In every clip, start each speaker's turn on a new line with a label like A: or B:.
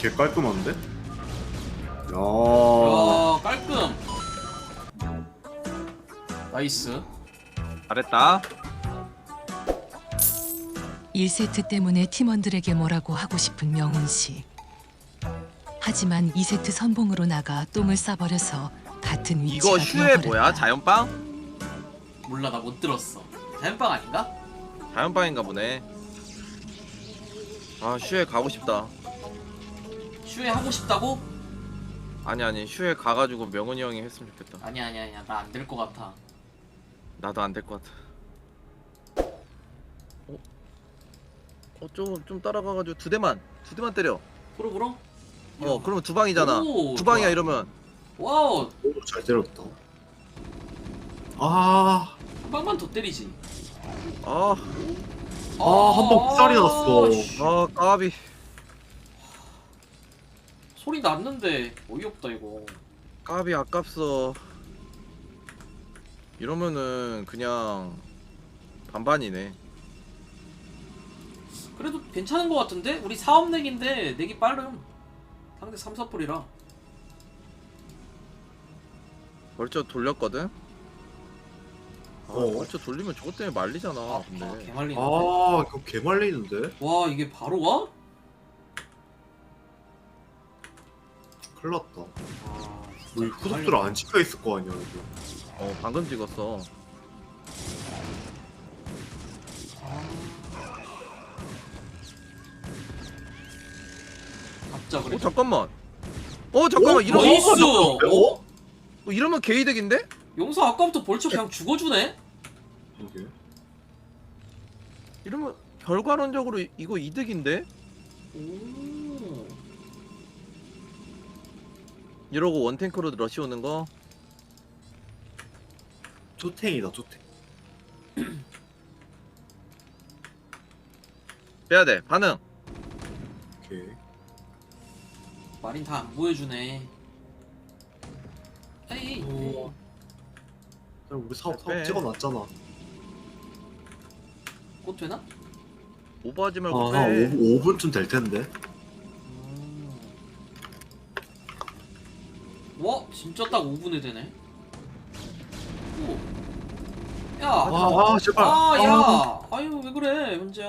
A: 개 깔끔한데? 야.
B: 깔끔. 나이스.
C: 잘했다.
D: 1세트 때문에 팀원들에게 뭐라고 하고 싶은 명훈 씨. 하지만 2세트 선봉으로 나가 똥을 싸버려서 같은 위치가
C: 이거 슈에
D: 되어버렸다.
C: 뭐야? 자연빵?
B: 몰라, 나 못 들었어. 자연빵 아닌가?
C: 자연빵인가 보네. 아 슈에 가고 싶다.
B: 슈에 하고 싶다고?
C: 아니 슈에 가가지고 명훈이 형이 했으면 좋겠다.
B: 아니야. 나 안 될 것 같아.
C: 나도 안 될 것 같아. 좀 따라가가지고 두 대만 때려.
B: 프로브로?
C: 그러면 두 방이잖아.
B: 오,
C: 두 방이야
B: 좋아.
C: 이러면.
B: 와우.
A: 오, 잘 때렸다. 아.
B: 한 방만 더 때리지.
C: 아
A: 한 방 풋살이 났어.
B: 씨.
C: 까비.
B: 소리 났는데 어이없다 이거.
C: 까비 아깝소. 이러면은 그냥 반반이네.
B: 그래도 괜찮은 것 같은데? 우리 4업 넥인데 넥이 빠름. 상대 3, 4풀이라.
C: 벌써 돌렸거든?
A: 어.
C: 벌써 돌리면 저것 때문에 말리잖아. 근데
B: 개말리는데.
A: 이거 개 말리는데?
B: 와, 이게 바로 와?
A: 큰일 났다.
B: 진짜
A: 우리 후속들 안 찍혀 있을 거 아니야, 이거.
C: 방금 찍었어.
B: 갑자 그래.
C: 잠깐만.
A: 오,
C: 이러면
B: 나이스!
A: 어?
C: 이러면 개이득인데?
B: 용서 아까부터 벌써 그냥 죽어주네?
A: 이게.
C: 이러면 결과론적으로 이거 이득인데?
B: 오.
C: 이러고 원탱크로 러시 오는 거?
A: 투탱이다, 투탱.
C: 빼야 돼. 반응.
A: 오케이.
B: 마린 다 안 보여주네. 에이.
A: 오. 우리 사업
C: 빼.
A: 찍어놨잖아.
B: 꽃 되나?
C: 오버하지 말고
A: 한
C: 빼.
A: 5분쯤 될 텐데.
B: 와, 진짜 딱 5분에 되네. 오. 야.
A: 제발.
B: 야. 아유, 왜 그래, 현재야.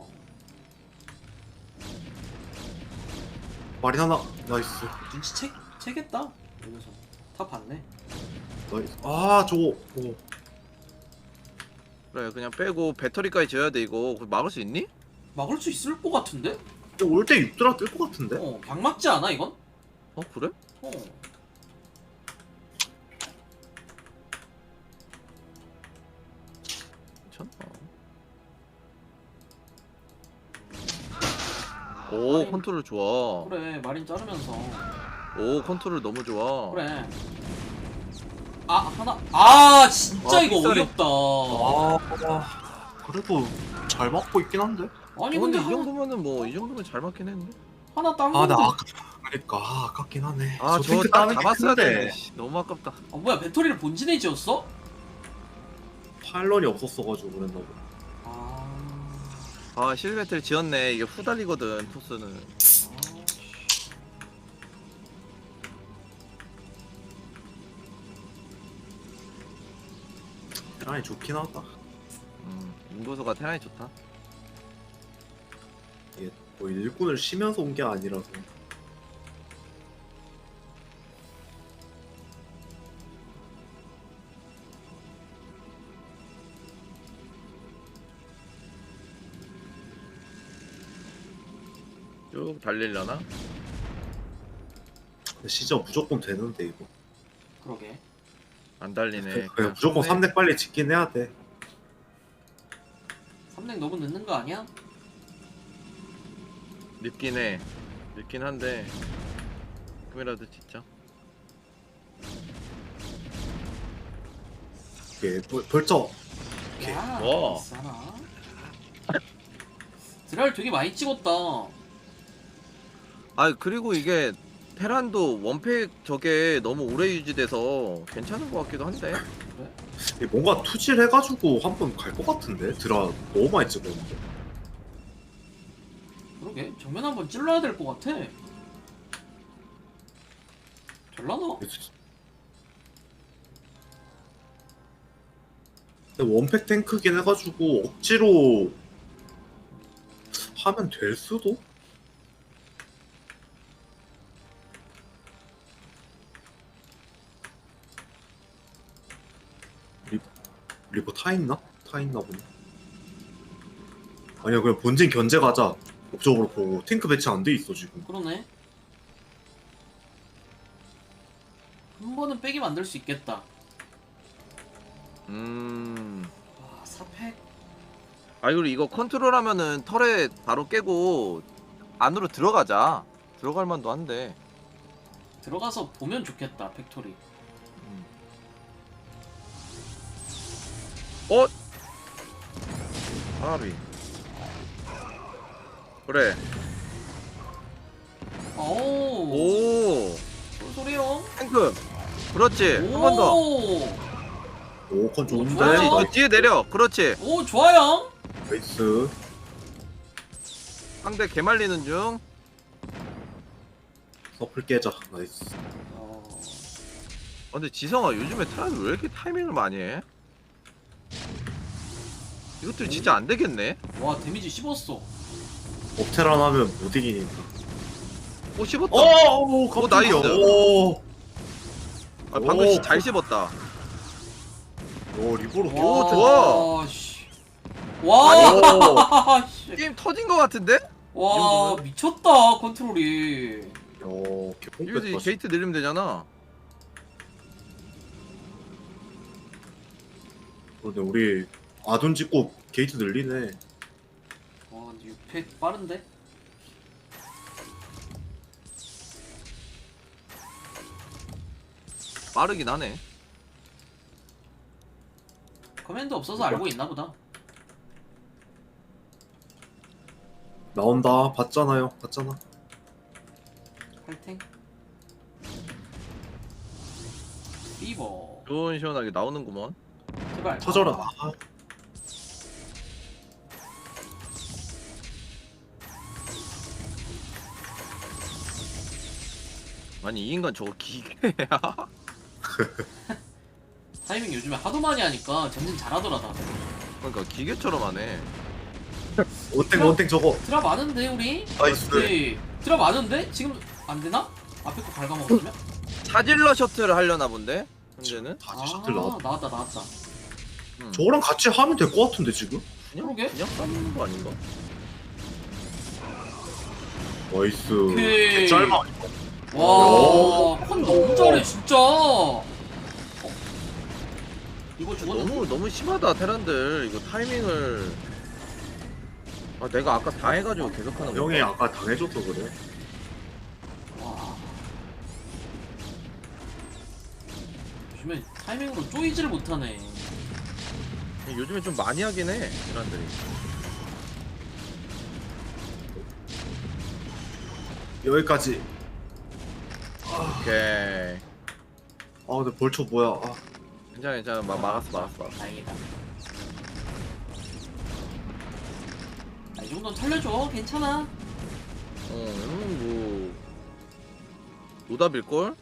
A: 말이 하나. 나이스.
B: 채겠다. 이러면서 다 봤네.
A: 나이스. 저거. 오.
C: 그래 그냥 빼고 배터리까지 지어야 돼 이거. 그거 막을 수 있니?
B: 막을 수 있을 것 같은데?
A: 올때 6드라 뜰 것 같은데?
B: 박 맞지 않아 이건?
C: 그래?
B: 어.
C: 괜찮아. 오 컨트롤 좋아.
B: 그래, 마린 자르면서.
C: 오 컨트롤 너무 좋아.
B: 그래. 하나. 진짜 이거
C: 삑사리.
B: 어렵다.
A: 그래도 잘 맞고 있긴 한데?
B: 아니
C: 근데
B: 근데
C: 이
B: 하나,
C: 정도면은 뭐 이 정도면 잘 맞긴 했는데.
B: 하나 딴
A: 나
B: 건데.
A: 그러니까 아깝긴 하네.
C: 저거
A: 핑크
C: 딱
A: 따는 게
C: 잡았어야
A: 큰데.
C: 되는데. 씨, 너무 아깝다.
B: 뭐야, 배터리를 본진에 지었어?
A: 파일런이 없었어가지고 그랬나 보다.
C: 실베트를 지었네. 이게 후달리거든 토스는.
A: 테란이 좋긴 하다.
C: 인구수가 테란이 좋다.
A: 이게 뭐 일꾼을 쉬면서 온 게 아니라서.
C: 쭉 달리려나?
A: 근데 시저 무조건 되는데 이거.
B: 그러게.
C: 안 달리네.
A: 그냥 무조건 3렙 빨리 짓긴 해야 돼.
B: 3넥 너무 늦는 거 아니야?
C: 늦긴 해. 늦긴 한데 조금이라도 진짜.
A: 이게 벌써 오케이.
B: 야,
C: 와.
B: 나이스 하나. 드랄 되게 많이 찍었다.
C: 그리고 이게 테란도 원팩 저게 너무 오래 유지돼서 괜찮은 것 같기도 한데.
A: 이게 뭔가 투질 해가지고 한 번 갈 것 같은데? 드라 너무 많이 찍었는데.
B: 그러게, 정면 한번 찔러야 될 것 같아. 될라나?
A: 근데 원팩 탱크긴 해가지고 억지로 하면 될 수도? 리버 타 있나? 타 있나 보네. 아니야, 그냥 본진 견제 가자. 옵저버로 보고 탱크 배치 안 돼 있어 지금.
B: 그러네. 한 번은 빼기 만들 수 있겠다. 아, 사팩.
C: 아 그리고 이거 컨트롤하면은 털에 바로 깨고 안으로 들어가자. 들어갈 만도 한데.
B: 들어가서 보면 좋겠다, 팩토리.
C: 어? 아비. 그래.
B: 오.
C: 오.
B: 소리요?
C: 탱크. 그렇지. 한 번 더.
A: 오컨 좋은데?
B: 좋아요.
C: 그렇지. 저 뒤에 내려. 그렇지.
B: 오, 좋아요.
A: 나이스.
C: 상대 개말리는 중.
A: 서플 깨자. 나이스.
C: 근데 지성아 요즘에 테란이 왜 이렇게 타이밍을 많이 해? 이것들 진짜 안 되겠네.
B: 와, 데미지 씹었어.
A: 업테란 하면 못 이기니까.
C: 오 씹었다.
A: 오, 깜짝이야.
C: 나이스.
A: 오,
C: 아, 방금
A: 오.
C: 잘 씹었다.
A: 오, 리보로.
C: 오, 좋아.
B: 씨. 와.
A: 오.
B: 씨.
C: 게임 터진 거 같은데?
B: 와, 미쳤다, 컨트롤이.
A: 오, 개뽕
C: 이거
A: 뺐다.
C: 게이트 늘리면 되잖아.
A: 근데 우리 아둔 찍고 게이트 늘리네.
B: 와, 근데 6팩 빠른데?
C: 빠르긴 하네.
B: 커맨드 없어서 알고 있나 보다.
A: 나온다. 봤잖아요. 봤잖아.
B: 팔탱. 리버.
C: 좋은 시원하게 나오는구먼.
B: 제발.
A: 터져라.
B: 아,
A: 아,
C: 아니 이 인간 저거 기계야?
B: 타이밍 요즘에 하도 많이 하니까 전진 잘하더라, 다.
C: 그러니까 기계처럼 하네.
A: 원탱 저거.
B: 드랍 많은데, 우리?
A: 나이스.
B: 우리 드랍 많은데? 지금 안 되나? 앞에 거 갉아먹었으면?
C: 사질러 셔틀을 하려나 본데? 현재는?
A: 다시 셔틀 나왔다.
B: 나왔다.
A: 저거랑 같이 하면 될 것 같은데 지금?
B: 그러게?
C: 그냥 싸는 거 아닌가?
A: 나이스.
B: 오케이.
A: 짧아.
B: 와, 컨 너무 잘해, 진짜. 이거 죽었는데?
C: 너무 심하다 테란들. 이거 타이밍을. 아 내가 아까 다 해가지고 계속하는 거.
A: 형이 아까 당해줘서 그래.
B: 와. 요즘에 타이밍으로 쪼이지를 못하네.
C: 요즘에 좀 많이 하긴 해 테란들이.
A: 여기까지.
C: 오케이.
A: 아 근데 벌초 뭐야? 아,
C: 괜찮아 막았어.
B: 다행이다. 아, 이 정도는 털려줘. 괜찮아.
C: 뭐 노답일걸?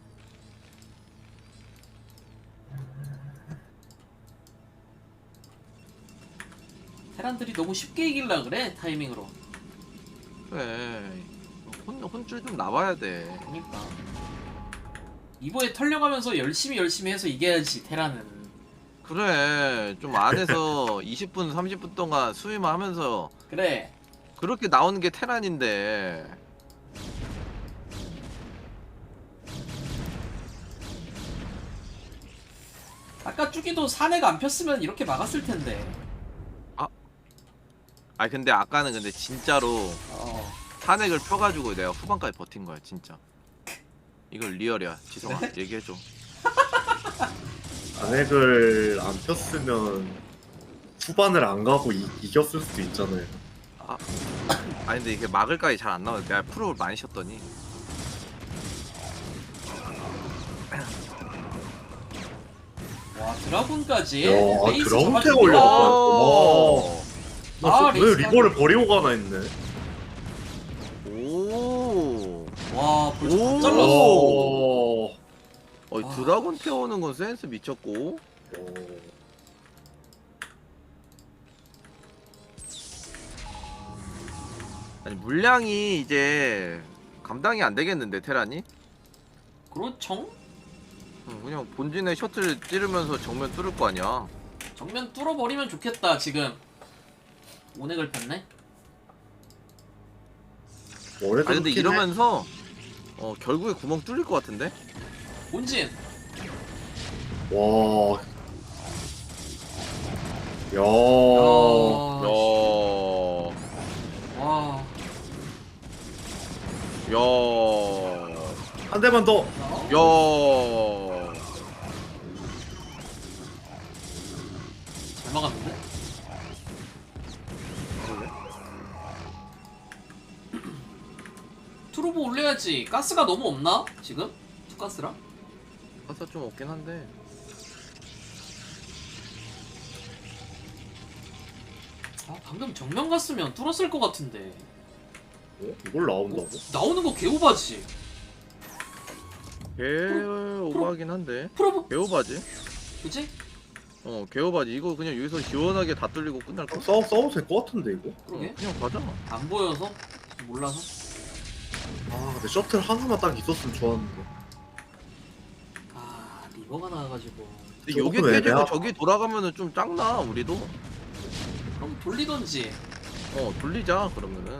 B: 테란들이 너무 쉽게 이길라 그래, 타이밍으로.
C: 그래. 혼줄 좀 나와야 돼.
B: 그러니까. 이번에 털려가면서 열심히 해서 이겨야지, 테란은.
C: 그래. 좀 안에서 20분 30분 동안 수위만 하면서
B: 그래.
C: 그렇게 나오는 게 테란인데.
B: 아까 쭈기도 산에가 안 폈으면 이렇게 막았을 텐데.
C: 아 근데 아까는 근데 진짜로
B: 어.
C: 탄핵을 펴가지고 내가 후반까지 버틴 거야 진짜. 이걸 리얼이야 지성아. 얘기해줘.
A: 단핵을 안 폈으면 후반을 안 가고 이겼을 수도 있잖아요.
C: 아니 근데 이게 막을까지 잘 안 나와. 내가 프로를 많이 쉬었더니.
B: 와, 드라군까지.
A: 야,
B: 레이스
A: 드라군
B: 잡아줍니다.
A: 태워 올렸다.
C: 오.
A: 와, 왜
B: 레이스
A: 리버를 버리고 가나 했네.
C: 오.
B: 와, 벌써 다
C: 오.
B: 잘랐어.
A: 오.
B: 아.
C: 드라곤 태우는 건 센스 미쳤고. 아니 물량이 이제 감당이 안 되겠는데 테란이?
B: 그렇죠?
C: 그냥 본진에 셔틀 찌르면서 정면 뚫을 거 아니야.
B: 정면 뚫어버리면 좋겠다 지금. 오넥을 폈네?
A: 원래도
C: 아니 근데
A: 그렇긴 해.
C: 이러면서 결국에 구멍 뚫릴 것 같은데?
B: 본진!
A: 와. 야.
B: 야,
C: 야,
B: 와.
C: 야,
A: 한 대만 더.
C: 야.
B: 잘 막았는데? 트루브 올려야지. 가스가 너무 없나? 지금? 투가스랑?
C: 가사 좀 없긴 한데.
B: 아, 방금 정면 갔으면 뚫었을 것 같은데.
A: 이걸 나온다고?
B: 나오는 거 개오바지.
C: 개 오바긴 한데.
B: 프로브
C: 개 오바지?
B: 그치?
C: 개 오바지. 이거 그냥 여기서 시원하게 다 뚫리고 끝날 거.
A: 싸워도 될 것 같은데 이거?
B: 그러게.
C: 그냥 가자.
B: 안 보여서? 몰라서?
A: 아 근데 셔틀 하나만 딱 있었으면 좋았는데.
B: 아, 리버가 나와가지고.
C: 근데 여기
A: 조금
C: 깨지고
A: 애매하다.
C: 저기 돌아가면은 좀 짱나 우리도.
B: 그럼 돌리던지.
C: 돌리자 그러면은.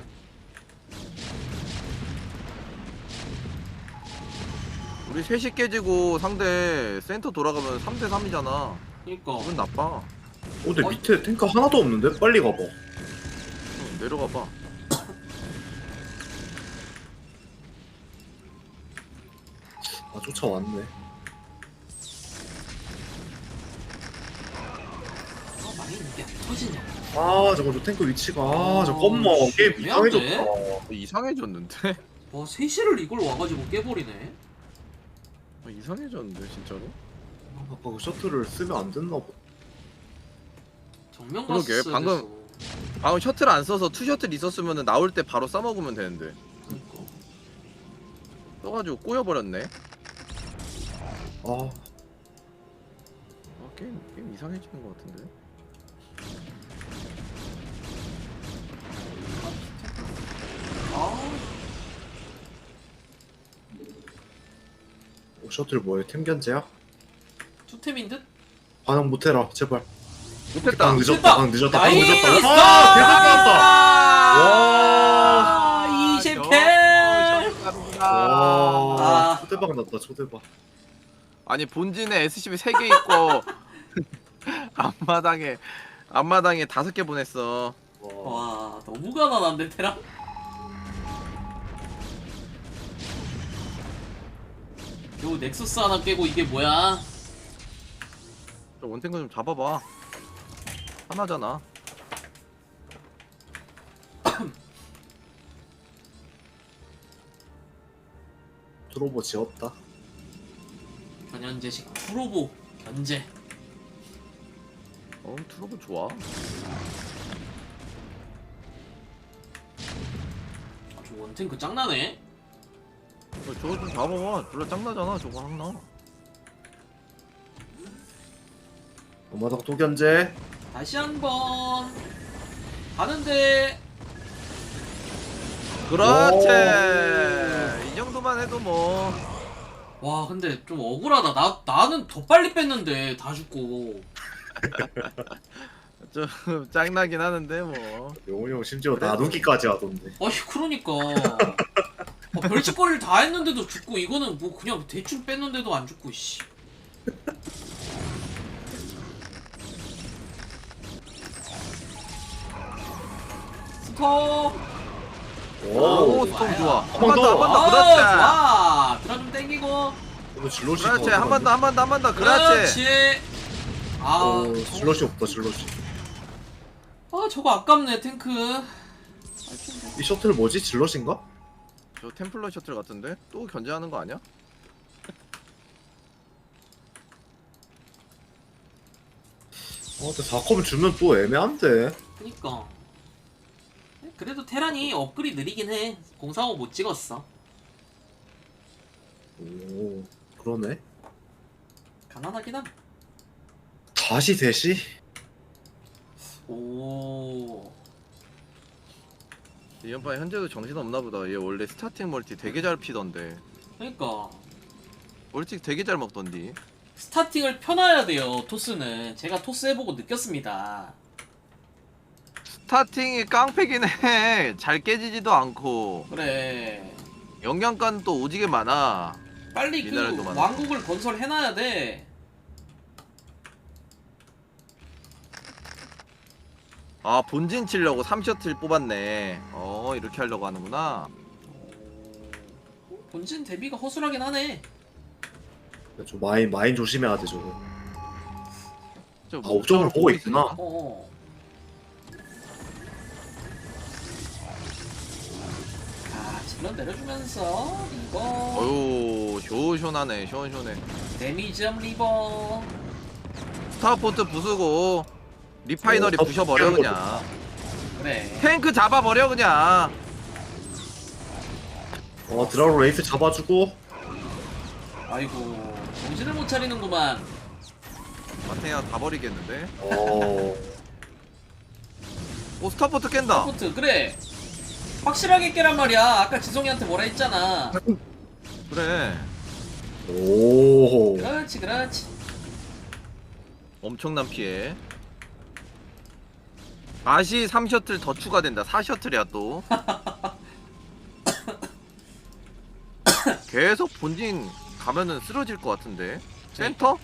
C: 우리 셋이 깨지고 상대 센터 돌아가면 3대 3이잖아.
B: 그니까.
C: 기분 나빠.
A: 근데
B: 어이.
A: 밑에 탱크 하나도 없는데? 빨리 가봐.
C: 내려가 봐.
A: 아 쫓아왔네.
B: 아, 많이 있는 게 안 터지냐.
A: 아 저거 저 탱크 위치가 잠깐만 게임
B: 애매한데?
A: 이상해졌다.
C: 이상해졌는데?
B: 와, 3시를 이걸 와가지고 깨버리네.
C: 이상해졌는데 진짜로?
A: 아까 그 셔틀을 쓰면 안 됐나 봐.
B: 정면
C: 그러게,
B: 갔어야
C: 방금-
B: 됐어.
C: 방금 셔틀 안 써서 투 셔틀 있었으면 나올 때 바로 싸먹으면 되는데
B: 그니까.
C: 써가지고 꼬여버렸네.
A: 아
C: 게임 이상해지는 것 같은데?
B: 아,
A: 셔틀 뭐야? 템 견제야?
B: 투템인 듯?
A: 반응 못해라 제발.
C: 못했다.
A: 방 늦었다. 방 늦었다. 방
B: 나이스!
A: 늦었다. 아 대박 나왔다. 와.
B: 아, 20킬!
A: 와.
B: 아.
A: 초대박 났다 초대박.
C: 아니 본진에 SCB 3개 있고 앞마당에 5개 보냈어.
A: 와.
B: 와, 너무 가난한데, 테라? 요 넥서스 하나 깨고 이게 뭐야?
C: 저 원탱크 좀 잡아봐. 하나잖아.
A: 드로버 지었다.
B: 변현재식 프로보 견제.
C: 트러블 좋아.
B: 아, 저 원탱크 짱나네.
C: 저거 좀 잡아봐. 졸라 짱나잖아 저거 하나.
A: 엄마당 또 견제.
B: 다시 한번 가는데.
C: 그렇지. 이 정도만 해도 뭐.
B: 와, 근데 좀 억울하다. 나는 더 빨리 뺐는데 다 죽고.
C: 좀 짱나긴 하는데 뭐.
A: 영훈이 형 심지어
C: 그래도-
A: 나누기까지 하던데.
B: 아니, 그러니까. 별짓거리를 다 했는데도 죽고, 이거는 뭐 그냥 대충 뺐는데도 안 죽고, 씨. 스톱.
C: 오, 스톰
B: 좋아요.
C: 좋아.
A: 한 번 더.
C: 한 번 더.
B: 아,
C: 그렇지.
B: 좋아. 드라 좀 땡기고.
A: 이거 질럿이
C: 그렇지. 한 번 더, 한 번 더, 한 번 더. 그렇지.
B: 그렇지. 아,
A: 질럿이 없다 질럿이.
B: 아, 저거 아깝네, 탱크.
A: 이 셔틀 뭐지? 질럿인가?
C: 저 템플러 셔틀 같은데? 또 견제하는 거 아니야?
A: 근데 4컵을 주면 또 애매한데.
B: 그니까. 그래도 테란이 업글이 느리긴 해. 045 못 찍었어.
A: 오 그러네.
B: 가난하긴 함.
A: 다시 셋이?
B: 오.
C: 이 연판 현재도 정신 없나 보다. 얘 원래 스타팅 멀티 되게 잘 피던데.
B: 그러니까
C: 멀티 되게 잘 먹던디.
B: 스타팅을 펴놔야 돼요. 토스는 제가 토스 해보고 느꼈습니다.
C: 스타팅이 깡패긴 해. 잘 깨지지도 않고.
B: 그래.
C: 영양가는 또 오지게 많아.
B: 빨리 그
C: 미네랄도 많아.
B: 왕국을 건설해놔야 돼.
C: 아 본진 치려고 3셔틀 뽑았네. 이렇게 하려고 하는구나.
B: 본진 대비가 허술하긴 하네.
A: 좀 마인 조심해야 돼 저거.
C: 저
A: 아 옵션을 보고 있구나.
B: 어. 자, 질러 내려주면서 리버.
C: 어유 시원시원하네. 시원시원해.
B: 데미지엄 리버.
C: 스타포트 부수고 리파이너리 부셔버려 그냥.
B: 그래.
C: 탱크 잡아버려 그냥.
A: 드라로 레이스 잡아주고.
B: 아이고 정신을 못 차리는구만.
C: 마테야 다 버리겠는데.
A: 어
C: 스타포트 깬다.
B: 포트 그래. 확실하게 깨란 말이야. 아까 지성이한테 뭐라 했잖아.
C: 그래.
A: 오.
B: 그렇지 그렇지.
C: 엄청난 피해. 다시 3셔틀 더 추가된다. 4셔틀이야 또. 계속 본진 가면은 쓰러질 것 같은데. 센터?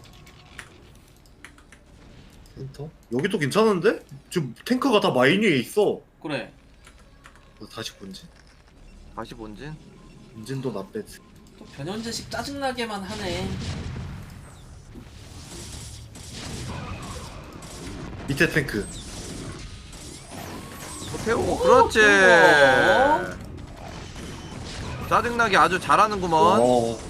A: 센터? 여기도 괜찮은데? 지금 탱크가 다 마인 위에 있어.
B: 그래.
A: 다시 본진.
C: 다시 본진.
A: 본진도 나빼지.
B: 또 변현재식 짜증나게만 하네.
A: 밑에 탱크.
C: 태우고
B: 오,
C: 그렇지.
B: 태우고.
C: 짜증나게 아주 잘하는구먼.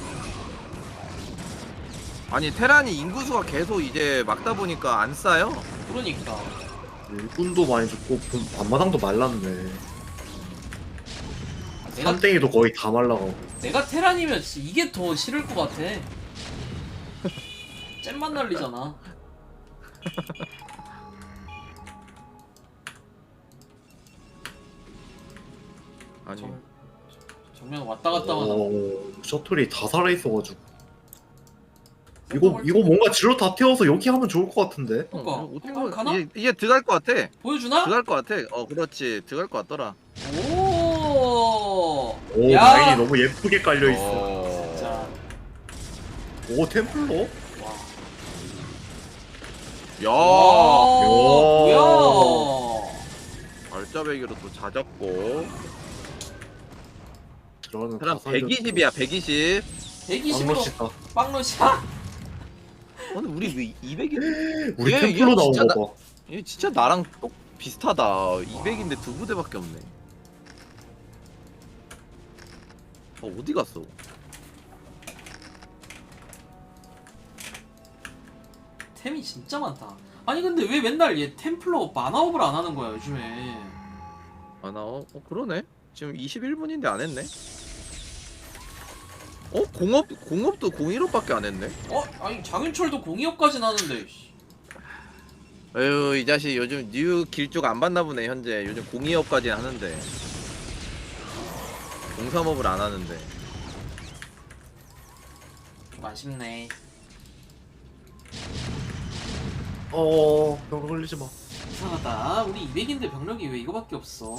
C: 아니 테란이 인구수가 계속 이제 막다 보니까 안 싸요.
B: 그러니까.
A: 일꾼도 많이 죽고 앞마당도 말랐네.
B: 내가
A: 삼땡이도 거의 다 말라가고.
B: 내가 테란이면 진짜 이게 더 싫을 것 같아. 잼만 날리잖아.
C: 아니
B: 정면 왔다 갔다 하다.
A: 셔틀이 다 살아있어가지고. 이거 뭔가 질러 다 태워서 여기 하면 좋을 것 같은데.
B: 그러니까
C: 어떻게
B: 어, 가나?
C: 이게 들어갈 것 같아.
B: 보여주나?
C: 들어갈 것 같아. 그렇지. 들어갈 것 같더라.
B: 오.
A: 오
B: 야.
A: 마인이 너무 예쁘게 깔려있어.
B: 자.
A: 오 템플러?
B: 와.
C: 야.
B: 뭐야?
C: 발자배기로 또 잦았고.
A: 들어가는
C: 사람
A: 다 살려.
C: 120이야 120.
B: 120으로
A: 빵러시다.
B: 빵러시야?
C: 근데 우리 왜 200이?
A: 우리
C: 얘
A: 템플러 나온
C: 진짜
A: 거 봐.
C: 얘 진짜 나랑 똑 비슷하다. 200인데 두 부대밖에 없네. 어디 갔어?
B: 템이 진짜 많다. 아니 근데 왜 맨날 얘 템플러 만화업을 안 하는 거야 요즘에?
C: 아 나 그러네. 지금 21분인데 안 했네. 공업도 01호밖에 안 했네.
B: 아니 장윤철도 02호까지 나는데.
C: 에휴 이 자식 요즘 뉴 길쭉 안 받나 보네 현재. 요즘 02호까지 하는데 03업을 안 하는데.
B: 좀 아쉽네.
A: 병 흘리지 마.
B: 이상하다. 우리 200인데 병력이 왜 이거밖에 없어?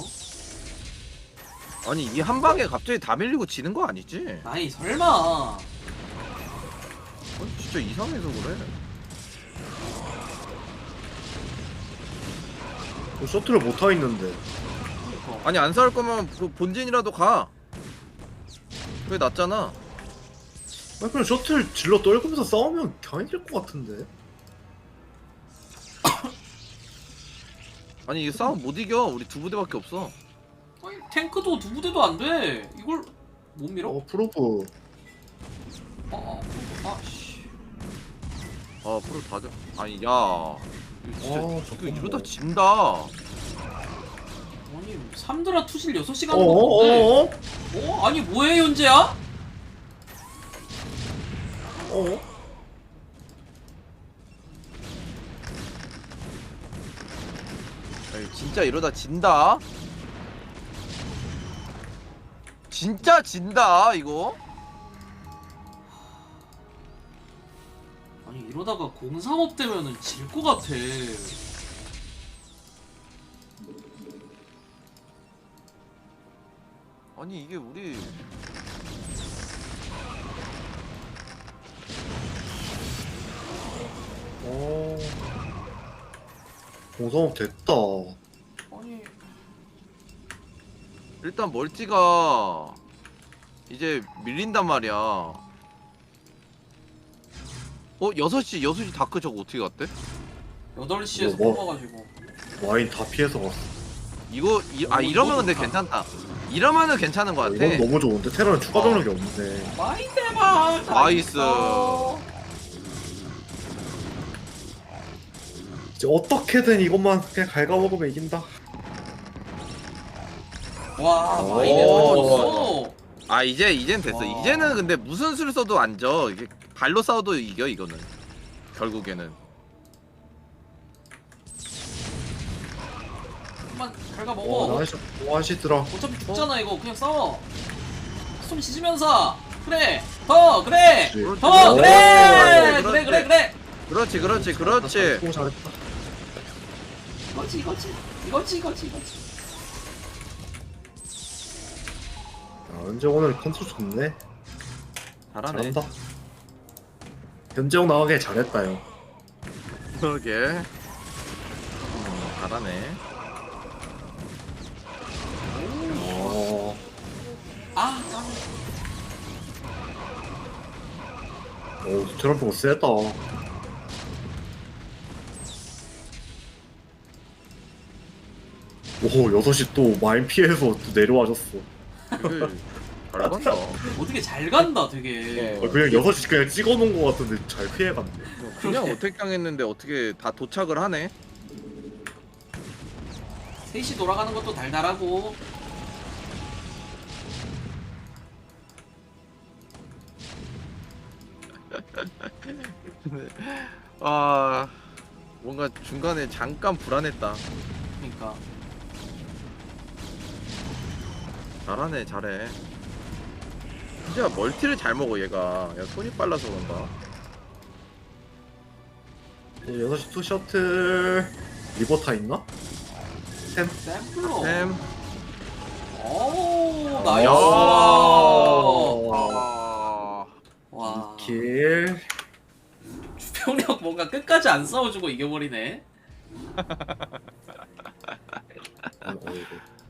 C: 아니 이 한 방에 갑자기 다 밀리고 지는 거 아니지?
B: 아니 설마.
C: 아니 진짜 이상해서 그래.
A: 셔틀을 못 타 있는데.
C: 아니 안 싸울 거면 그 본진이라도 가. 그게 낫잖아.
A: 아니 그냥 셔틀 질러 떨구면서 싸우면 그냥 이길 것 같은데.
C: 아니 이 싸움 못 이겨. 우리 두 부대밖에 없어.
B: 아니, 탱크도 두 부대도 안 돼. 이걸 못 밀어?
A: 프로브.
B: 씨.
C: 프로 다 져. 아니 야. 이거 진짜 이거
A: 잠깐만.
C: 이러다 진다.
B: 아니 삼드라 투실 6시간 하는 거 뭔데? 아니 뭐해 현재야?
C: 아니, 진짜 이러다 진다. 진짜 진다 이거.
B: 아니 이러다가 035 되면은 질 것 같아.
C: 아니 이게 우리
A: 어. 공성업 됐다.
B: 아니
C: 일단 멀티가 이제 밀린단 말이야. 6시 다크 저거 어떻게 갔대?
B: 8시에서
A: 뭐?
B: 뽑아가지고.
A: 와인 다 피해서 갔어.
C: 이러면 근데 괜찮다. 이러면은 괜찮은 것 같아.
A: 이건 너무 좋은데 테러는 추가 병력이 없는데.
B: 많이 대박.
C: 나이스.
A: 이제 어떻게든 이것만 그냥 갉아먹으면 이긴다.
B: 와
A: 오,
B: 많이 대박이었어.
C: 아 이젠 됐어.
B: 와.
C: 이제는 근데 무슨 수를 써도 안 져. 이게 발로 싸워도 이겨 이거는. 결국에는.
B: 한번 갈가 먹어.
A: 나이스. 하시더라.
B: 어차피 죽잖아 이거. 그냥 싸워. 숨 쉬지면서. 그래. 더 그래.
A: 그렇지.
B: 더
A: 오,
B: 그래.
C: 그렇지.
B: 그래.
C: 그렇지.
A: 오, 잘했다.
B: 이거지.
A: 야, 은재 오늘 컨트롤 좋네.
C: 잘하네.
A: 잘한다. 현재형 나가게 잘했다 형.
C: 그러게. 잘하네.
A: 어.
B: 아.
A: 오, 트럼프가 세다. 오, 6시 또 마인 피해서 또 내려와줬어.
C: 이게 잘 간다.
B: 어떻게 잘 간다 되게.
A: 그냥 6시 그냥 찍어놓은 거 같은데 잘 피해갔네.
C: 그냥 어택 당했는데 어떻게 다 도착을 하네?
B: 3시 돌아가는 것도 달달하고.
C: 아 뭔가 중간에 잠깐 불안했다.
B: 그러니까.
C: 잘하네 잘해. 진짜 멀티를 잘 먹어 얘가. 야 손이 빨라서 그런가?
A: 6시 투 셔틀 리버타 있나? 템?
B: 샘플러.
C: 템.
B: 오
C: 야.
B: 나이스.
C: 아.
B: 와.
A: 킬.
B: 주병력 뭔가 끝까지 안 싸워주고 이겨버리네.
A: 어이구.